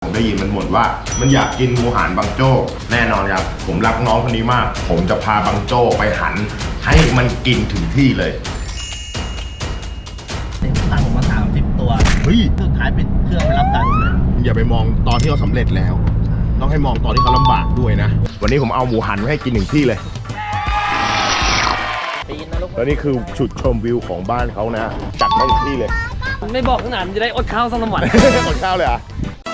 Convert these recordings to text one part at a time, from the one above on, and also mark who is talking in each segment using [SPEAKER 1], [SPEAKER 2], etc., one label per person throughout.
[SPEAKER 1] ผมได้ยินมันบ่นว่ามันอยากกินหมูหันบางโจ้แน่นอนครับผมรักน้องคนนี้มากผมจะพาบางโจ้ไปหันให้มันกินถึงที่เลย
[SPEAKER 2] ตั้งผมมา30 ตัว
[SPEAKER 1] เฮ้ย
[SPEAKER 2] สุดท้ายเป็นเครื่องไปรับตังค์เลย
[SPEAKER 1] อย่าไปมองตอนที่เขาสำเร็จแล้วต้องให้มองตอนที่เขาลำบากด้วยนะวันนี้ผมเอาหมูหันไว้ให้กินถึงที่เลย
[SPEAKER 2] ปีนนะลูก
[SPEAKER 1] แล้วนี่คือจุดชมวิวของบ้านเขานะจัดมาถึงที่เลย
[SPEAKER 3] ไม่บอกขนาดมันจะได้อดข้าวสักวัน
[SPEAKER 1] หมดข้าวเลยอ่ะ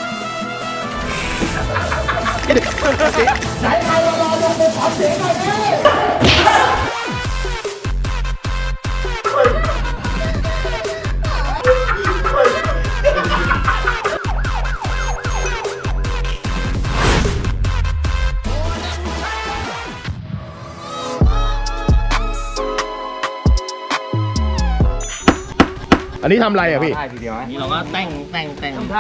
[SPEAKER 1] อันนี้ทำอะไรอ่ะพี่
[SPEAKER 2] นี่เราก็แต่ง
[SPEAKER 3] ทำเท้า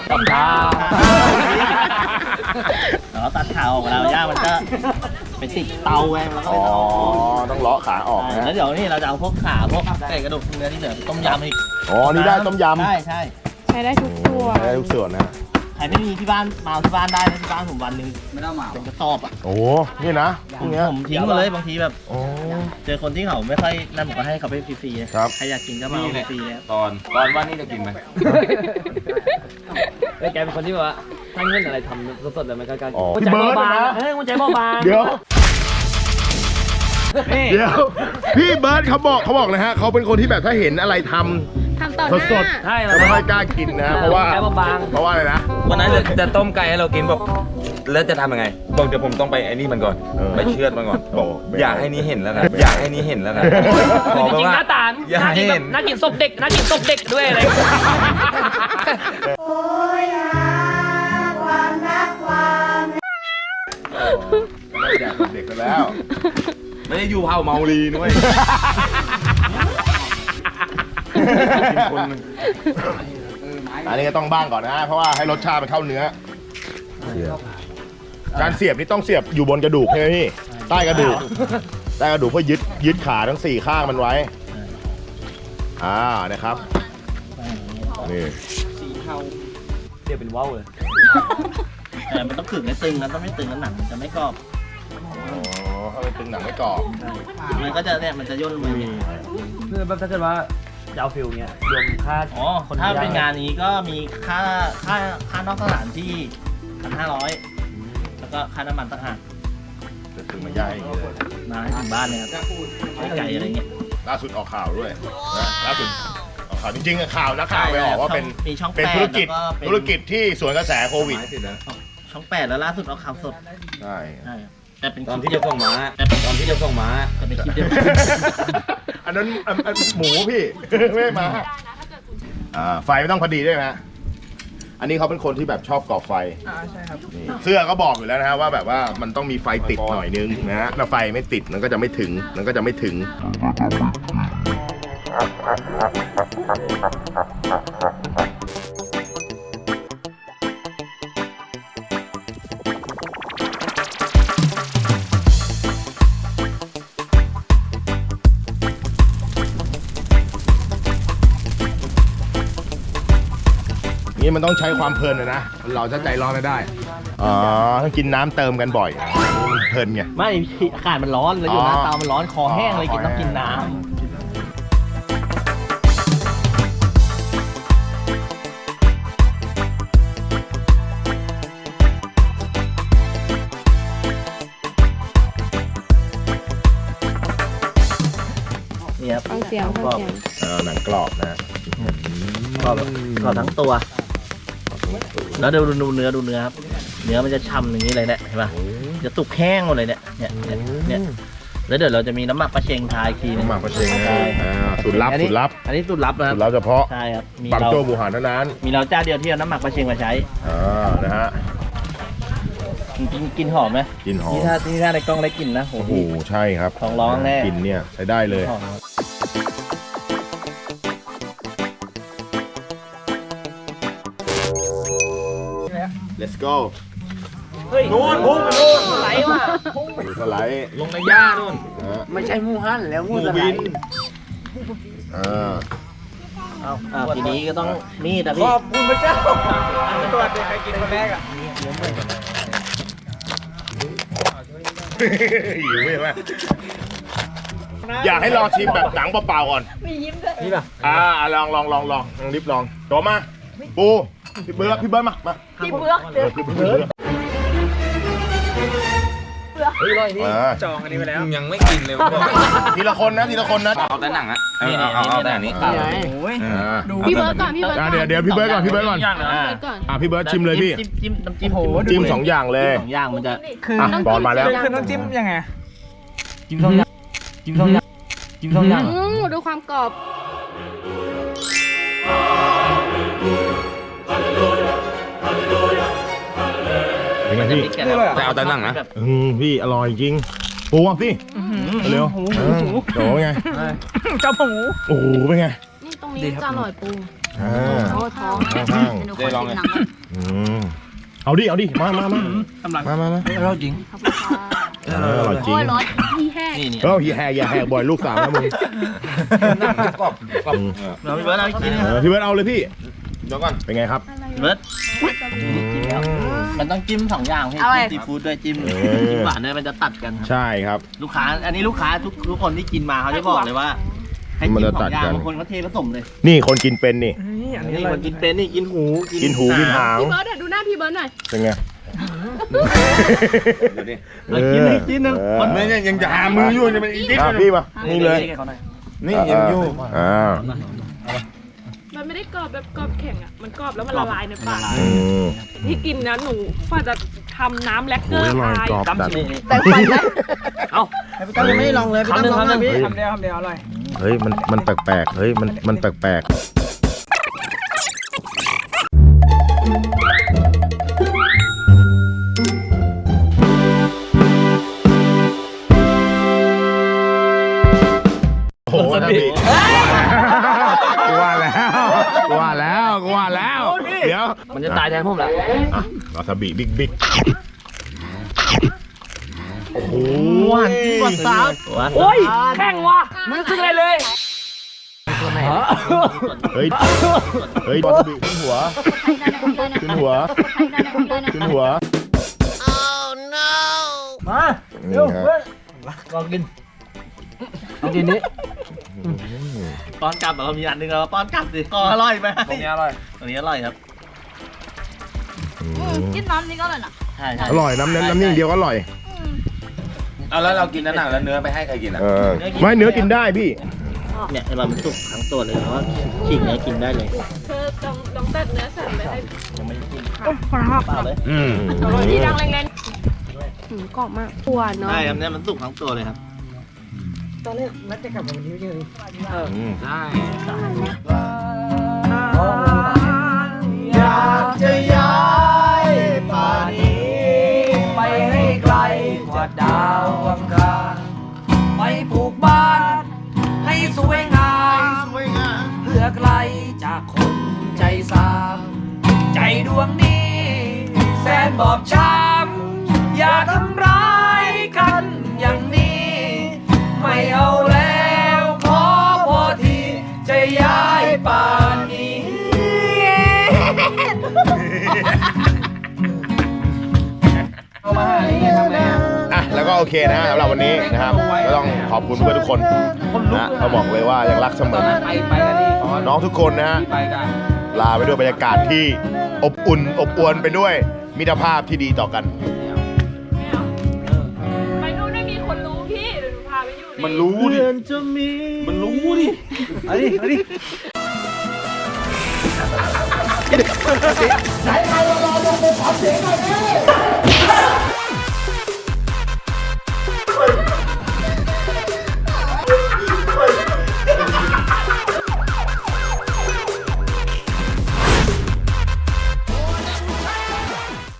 [SPEAKER 2] เราตัดขาออกแล้วย่ามันจะไปติดเตาไว้แล้วก็
[SPEAKER 1] อ๋อต้องเลาะขาออก
[SPEAKER 2] แล้
[SPEAKER 1] นะ
[SPEAKER 2] วเดี๋ยวนี่เราจะเอาพวกขาพวกไก่กระดูกเนื้อที่เหลือไปต้มยำอีก
[SPEAKER 1] อ๋อนี่ได้ต้มยำ
[SPEAKER 2] ใช่
[SPEAKER 4] ใช้ได้ทุกตัว
[SPEAKER 1] ได้ทุกส่วนนะ
[SPEAKER 2] ใครไม่มีที่บ้านมาเอาที่บ้านได้นะที่บ้านผมวันหนึ่งไม่ต้องมาเป็นกระสอบอ่ะ
[SPEAKER 1] โอ้นี่นะพวกเนี้ย
[SPEAKER 2] ผมทิ้งมาเลยบางทีแบบ
[SPEAKER 1] โอ้
[SPEAKER 2] เจอคนที่เขาไม่ค่อยนั่นผมก็ให้เขาไปฟรีๆนะครับ ใครอยากกินก็มาเอาฟรีๆแล้ว
[SPEAKER 5] ตอนว่านี่จะกินไหม
[SPEAKER 3] แล้วแกเป็นคนที่แบบว่าถ้าเงินอะไรทำสดๆเลยมันก็การ
[SPEAKER 1] อ๋อ
[SPEAKER 3] หัว
[SPEAKER 1] พี่
[SPEAKER 3] ใจ
[SPEAKER 1] เบิร์ด
[SPEAKER 3] เบาบาง
[SPEAKER 1] นะ
[SPEAKER 3] หัวใจเบาบาง
[SPEAKER 1] เดี๋ยว
[SPEAKER 3] นี่
[SPEAKER 1] เดี๋ยวพี่เบิร์ดเขาบอกนะฮะเขาเป็นคนที่แบบถ้าเห็นอะไรทำ
[SPEAKER 4] ทำต่อห
[SPEAKER 1] ส
[SPEAKER 4] น้า
[SPEAKER 1] ด
[SPEAKER 3] ใช่
[SPEAKER 1] ๆ
[SPEAKER 3] แล้
[SPEAKER 1] จะ
[SPEAKER 3] ว
[SPEAKER 1] ไม่ค่อยกล้ากินนะเพราะว่า
[SPEAKER 3] หัวใจเบาบาง
[SPEAKER 1] เพราะว่าอะไรนะ
[SPEAKER 5] วันนั้นจะต้มไก่ให้เรากินบอกแล้วจะทำยังไงบอกเดี๋ยวผมต้องไปไอ้นี่มันก่อน
[SPEAKER 1] เออ
[SPEAKER 5] ไปเชือดมันก่อนบอก
[SPEAKER 1] ไม่
[SPEAKER 5] อยาก
[SPEAKER 1] เอา
[SPEAKER 5] ให้นี่เห็นแล้วนะอยากให้นี่เห็นแล้วนะบ
[SPEAKER 3] จ
[SPEAKER 5] อกไป
[SPEAKER 3] ริงๆห
[SPEAKER 5] ว่า
[SPEAKER 3] น้าตา
[SPEAKER 5] อย่า
[SPEAKER 3] น่ากิน
[SPEAKER 5] ให้
[SPEAKER 3] แบ
[SPEAKER 5] เห็
[SPEAKER 3] บ
[SPEAKER 5] น
[SPEAKER 3] น่ากินศพเด็กน่ากินศพเด็กด้วยอะไร
[SPEAKER 1] แดกเด็กกันแล้ว
[SPEAKER 5] ไม่ได้อยู่เผาเมาลีนุ้ย
[SPEAKER 1] กินคนหนึ่งอันนี้ก็ต้องบ้างก่อนนะ เพราะว่าให้รสชาติมันเข้าเนื้อ การเสียบนี่ต้องเสียบอยู่บนกระดูกใช่ไหมพี่ ใต้กระดูก ใต้กระดูกเพื่อยึดขาทั้ง4ข้างมันไว้ นะครับ นี่
[SPEAKER 3] เดี๋ยวเป็นว้าวเลย
[SPEAKER 2] แต่มันต้องขึงให้ตึงนะต้องไม่ตึงแล้วหนังมันจะไม่กรอบ
[SPEAKER 1] อ๋อถ้าเป็นตึงหนังไม่กรอบ
[SPEAKER 2] มันก็จะเนี่ยมันจะย่นลงมาอย่างเงี้ย
[SPEAKER 3] คือแบบถ้าเกิดว่าจะเอาฟิลเนี้ยรวมค่า
[SPEAKER 2] อ๋อถ้าเป็นงานนี้ก็มีค่านอกสถานที่ 1,500แล้วก็ค่าน้ำมันต่างหาก
[SPEAKER 1] จะถึงมาย่างอย่างนี้เลย
[SPEAKER 2] มาให้ถึงบ้านเนี่ยครับไก่อะไรเงี้ย
[SPEAKER 1] ล่าสุดออกข่าวด้วยนะล่าสุดออกข่าวจริงๆข่าวนักข่าวไปออกว่าเป็น
[SPEAKER 2] มีช่อง
[SPEAKER 1] เป็น
[SPEAKER 2] 8
[SPEAKER 1] ธุรกิจ
[SPEAKER 2] แล้วเป็น
[SPEAKER 1] ธุรกิจที่สวนกระแสโควิด
[SPEAKER 2] ช่อง 8 แล้วล่าสุดเอาข่าวสด
[SPEAKER 1] ใช่
[SPEAKER 2] ใช่แต่เป็นค
[SPEAKER 5] ตอน
[SPEAKER 2] ลิป
[SPEAKER 5] ที่จะส่งม้าตอนที่จะส่งม้า
[SPEAKER 2] แต่เป็นคลิปเดียว
[SPEAKER 1] อันนั้นอันหมูพี่ ไม่มาไฟไม่ต้องพอดีด้วยนะอันนี้เขาเป็นคนที่แบบชอบก่อไฟใช่ครับเสื้อก็บอกอยู่แล้วนะฮะว่าแบบว่ามันต้องมีไฟติดหน่อยนึงนะฮะถ้าไฟไม่ติดมันก็จะไม่ถึงนี่มันต้องใช้ความเพลินนะเราจะใจร้อนไม่ได้อ๋อต้องกินน้ำเติมกันบ่อยมันเพลินไง
[SPEAKER 2] ไม่อากาศมันร้อนแล้วอยู่หน้า
[SPEAKER 1] อ๋อ
[SPEAKER 2] เตามันร้อนคอแห้งเลย
[SPEAKER 1] อ๋อ
[SPEAKER 2] กินต้องกินน้ำนี่ครับ
[SPEAKER 4] ฟังเสียง
[SPEAKER 2] กรอบ
[SPEAKER 1] หนังกรอบนะ
[SPEAKER 2] กรอบทั้งตัว แล้วดูเนื้อครับ เนื้อมันจะช่ำอย่างนี้เลยเนี่ยเห็นป่ะจะสุกแห้งหมดเลยเนี่ยแล้วเดี๋ยวเราจะมีน้ำหมักปลาเชงทาอีกทีนึง
[SPEAKER 1] น้ำหมักปลาเชงนะสูตรลับ
[SPEAKER 2] อันนี้สูตรลับนะค
[SPEAKER 1] สู
[SPEAKER 2] รับ
[SPEAKER 1] ตรลับเฉพาะ
[SPEAKER 2] ใช่ครับมี
[SPEAKER 1] บาง
[SPEAKER 2] เรา
[SPEAKER 1] โจ้หมูหันเท่านั้น
[SPEAKER 2] มีเราเจ้าเดียวที่เอาน้ำหมักปลาเชงมาใช้
[SPEAKER 1] นะฮะ
[SPEAKER 2] กินหอมไหม
[SPEAKER 1] กลินหอม
[SPEAKER 2] นี่ถ้าในกล้องได้กลิ่นนะโห
[SPEAKER 1] โอ้โหใช่ครับ
[SPEAKER 2] ท้องร้องแน่
[SPEAKER 1] กลินเนี่ยใช้ได้เลย
[SPEAKER 2] หอมครับ
[SPEAKER 1] let's go
[SPEAKER 3] เฮ้ยนู่นพุ่งไปนู่นไหลว่ะ
[SPEAKER 1] สไลด์
[SPEAKER 5] ลงในหญ้านู่น
[SPEAKER 1] นะฮะ
[SPEAKER 3] ไม่ใช่มูฮั่นแล้วมูสไล
[SPEAKER 1] วิน
[SPEAKER 3] ด์
[SPEAKER 1] อ่า
[SPEAKER 2] ทีนี้ก็ต้องมีดนะ
[SPEAKER 3] ข
[SPEAKER 2] พี่
[SPEAKER 3] อบคุณพระเจ้าตัวเด็กใครกินคนแรกอ่ะ
[SPEAKER 1] หิวใช่ไหมอยากให้ลองชิมแบบหนังเปล่าๆก่อน
[SPEAKER 3] นี่ป่ะ
[SPEAKER 1] ลองรีบลองโจมาปูพี่เบิร์ดมาพี่เบิร์ดพี่เบิร์ด
[SPEAKER 3] เฮ้ยอร่อยนี่
[SPEAKER 1] อ่า
[SPEAKER 3] จองอันนี้ไปแล้ว
[SPEAKER 5] ยังไม่กินเลยบอก
[SPEAKER 1] ทีละคนนะ
[SPEAKER 5] เอาแต่หนังอะเอาแต่อันนี้
[SPEAKER 3] โอ้ย
[SPEAKER 4] พี่เบิร์ดก่อนพี่เบิร์ดก่อน
[SPEAKER 1] เดี๋ยวพี่เบิร์ดก่อน
[SPEAKER 4] พี่เบิร์ดก่อน
[SPEAKER 1] พี่เบิร์ดชิมเลยพี่
[SPEAKER 2] จิ้มน้ำจิ้ม
[SPEAKER 1] จิ้มสองอย่างเลย
[SPEAKER 2] สองอย่างมันจะ
[SPEAKER 3] คือ
[SPEAKER 1] บอลมาแล้ว
[SPEAKER 3] คือต้องจิ้มยังไงจิ้มสองอย่างจิ้มสองอย่างจิ้มสองอย่าง
[SPEAKER 4] ดูความกรอบ
[SPEAKER 1] เป็นไงพี่
[SPEAKER 5] แต่เอาแต่หนังนะ
[SPEAKER 1] พี่อร่อยจริงปูอ่ะพี่เร็วโจไง
[SPEAKER 3] เจ้าหมู
[SPEAKER 1] โอ้โหเป็นไง
[SPEAKER 4] นี่ตรงนี้จะอร่อยปู
[SPEAKER 1] ข้าง
[SPEAKER 4] ท้อง
[SPEAKER 5] ได้ลองเลย
[SPEAKER 1] เอาดิมา
[SPEAKER 3] กำลัง
[SPEAKER 1] มา
[SPEAKER 3] อร่อยจริง
[SPEAKER 4] ขอบคุณค่ะ
[SPEAKER 1] อร่อยจริง
[SPEAKER 4] พี่แห้ง
[SPEAKER 2] นี่
[SPEAKER 1] อย่าแหกบ่อยลูกสาวนะมึง
[SPEAKER 5] หนังกรอบ
[SPEAKER 2] เราพี่เบิร์ดเอาอีกทีนึง
[SPEAKER 1] พี่เบิร์ดเอาเลยพี่
[SPEAKER 5] เดี๋ยวก่อน
[SPEAKER 1] เป็นไงครับ
[SPEAKER 2] พี่เบิร์ดมันต้องจิ้มสองอย่างพี่จิ้มซีฟู้ดด้วยจิ้มหวานด้วยมันจะตัดกันครับ
[SPEAKER 1] ใช่ครับ
[SPEAKER 2] ลูกค้าอันนี้ลูกค้าทุกคนที่กินมาเขาจะบอกเลยว่าให้จิ้มสองอย่างบางคนเขาเทผสมเลย
[SPEAKER 1] นี่คนกินเป็นนี่
[SPEAKER 3] อันนี้
[SPEAKER 2] นี่
[SPEAKER 3] อร่อ
[SPEAKER 2] ค
[SPEAKER 3] ย
[SPEAKER 2] นกินเป็นนี่กินหู
[SPEAKER 1] กินหูกินหาง
[SPEAKER 4] พี่เบิร์ดดูหน้าพี่เบิร์ดหน่อย
[SPEAKER 1] เป็นไง
[SPEAKER 5] เดี๋ยวดิ
[SPEAKER 2] แล้วกินอีกทีนึงคน
[SPEAKER 5] เนี่ยยังจะหามืออยู่เนี่ยมันอีกนิด
[SPEAKER 1] พี่มานี่เลย
[SPEAKER 5] นี่ยังอยู่
[SPEAKER 4] มันไม่ได้กรอบแบบกรอบแข็งอ่ะมันกรอบแล้วมันละลายในปาก
[SPEAKER 1] อืม
[SPEAKER 4] ที่กินนะหนูกว่าจะทำน้ำแลกเก
[SPEAKER 1] โอ้
[SPEAKER 4] อย ร์
[SPEAKER 1] อร่อย
[SPEAKER 4] ทาย
[SPEAKER 1] กรอบจัด
[SPEAKER 2] แต่ไปไหมเอ้าพี่ตั้มยังไม่ได้ลองเลยพี่ตั้มลองนะพี่
[SPEAKER 3] ทำเดียวอร่อย
[SPEAKER 1] เฮ้ยมันแปลกๆเฮ้ยมันแปลกๆโอ้โหนะพี่กูว่าแล้ว เดี๋ยว
[SPEAKER 2] มันจะตายแทนผมแหละ
[SPEAKER 1] วาซาบิบิ๊กโอ้โห
[SPEAKER 2] หวานหวานสาว
[SPEAKER 3] โอ้ยแข่งว่ะไม่รู้สึกอะไรเลย
[SPEAKER 1] เฮ้ยวาซาบิขึ้นหัว
[SPEAKER 3] มา
[SPEAKER 1] นี่ฮะ
[SPEAKER 3] ลองกินนี้
[SPEAKER 2] ป้อนกลับแบบมีอันนึงเราป้อนกลับสิก็อร่อยไหม
[SPEAKER 3] ตรงนี้อร่อย
[SPEAKER 2] ตรงนี้อร่อยครับ
[SPEAKER 4] จิ้มน้ำนี่ก็เลยนะ
[SPEAKER 2] ใช่
[SPEAKER 1] อร่อยน้ำนิ่งเดียวก็อร่อย
[SPEAKER 5] เอาแล้วเรากินหนังแล้วเนื้อไปให้ใครกินอ่ะ
[SPEAKER 1] ไม่เนื้อกินได้พี่
[SPEAKER 2] เนี่ยไอ้มันสุกทั้งตัวเลยเพราะฉีกเนื้อกินได้เลย
[SPEAKER 4] เธอต้องตัดเนื้อสัตว์ไปให้
[SPEAKER 2] ยังไม่ได้กิน
[SPEAKER 4] ขอรับ
[SPEAKER 2] เปล่าเลย
[SPEAKER 4] ที่ดังแรงๆกรอบมากหวานเนาะ
[SPEAKER 2] ใช่ครับเนี่ยมันสุกทั้งตัวเลยครับ
[SPEAKER 3] ตอนแรกนัดจะกลับวันนี้เลย
[SPEAKER 5] ใช่
[SPEAKER 3] อยากจะย้ายป่านี้ไปให้ไกลกว่าดาวอังคารไปปลูกบ้านให้สวยงามเพื่อไกลจากคนใจสามใจดวงนี้แสนบอบช้ำอย่าทำร้ายกันอย่างนี้ ไม่เอาแล้วขอพอทีจะย้ายป่านนี้ เอามาให้ทำไงอ่ะ
[SPEAKER 1] อ่ะแล้วก็โอเคนะสำหรับวันนี้นะครับก็ต้องขอบคุณเพื่อนทุกคนนะเขาบอกเลยว่ายังรักเสมอ
[SPEAKER 3] ไปกันดิ
[SPEAKER 1] น้องทุกคนนะฮะ
[SPEAKER 3] ไปกัน
[SPEAKER 1] ลาไปด้วยบรรยากาศที่อบอุ่นอบอวลไปด้วยมิตรภาพที่ดีต่อกัน
[SPEAKER 4] ไปนู่นไม่มีคนรู้พี่เดี๋ยวหนูพาไปอยู่ใน
[SPEAKER 5] มันรู้ดิ
[SPEAKER 2] จะมี
[SPEAKER 5] มันรู้ดิ
[SPEAKER 3] เอาดิเอาดิ
[SPEAKER 1] ไหนใครรอ